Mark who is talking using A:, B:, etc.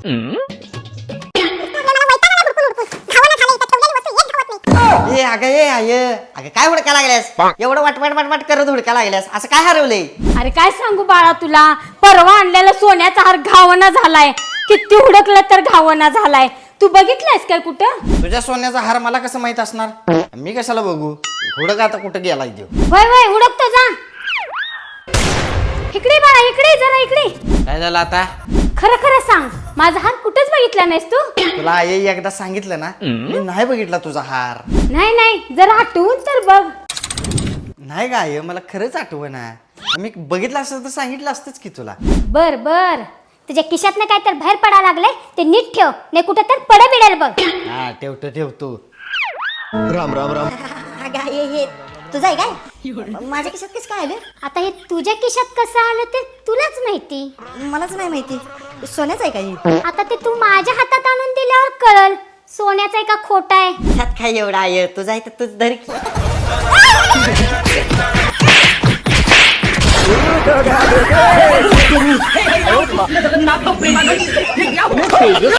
A: ए अगं काय हुडका लागल्यास एवढं वाट करत हुडका लागल्यास असं काय हरवलंय?
B: अरे काय सांगू बाळा तुला, परवा आणलेला सोन्याचा हार घावना झालाय. किती हुडकलं तर घावना झालाय. तू बघितलायस काय कुठं?
A: तुझ्या सोन्याचा हार मला कसं माहित असणार? मी कशाला बघू? हुडक आता कुठं गेलाय देव?
B: वय वय हुडकतो जा. इकडे बाळा, इकडे जरा इकडे.
A: काय झालं आता?
B: खरं खरं सांग, माझा हार कुठंच बघितला नाहीस तू?
A: तुला आई एकदा सांगितलं ना, मी नाही बघितला तुझा हार.
B: नाही नाही, जरा आठवून तर बघ.
A: नाही का आई, मला खरंच आठवना. मी बघितलं असतं तर सांगितलं असतंच की तुला.
B: बर बर, तुझ्या खिशातनं काय तर बाहेर पडा लागलंय ते नीट ठेव, नाही कुठं तर पड बिडेल बघ.
A: हा ठेवतो.
C: राम राम राम.
D: हे तुझं आहे काय? माझ्या खिशात कसं काय आलं?
B: आता हे तुझ्या खिशात कसं आलं ते तुलाच माहिती.
D: मलाच नाही माहिती. सोन्याचं आहे काय?
B: आता ते तू माझ्या हातात आणून दिल्यावर कळल सोन्याचं आहे का खोटा आहे.
D: त्यात काय एवढं आहे? तुझं आहे तर तुझं धर की.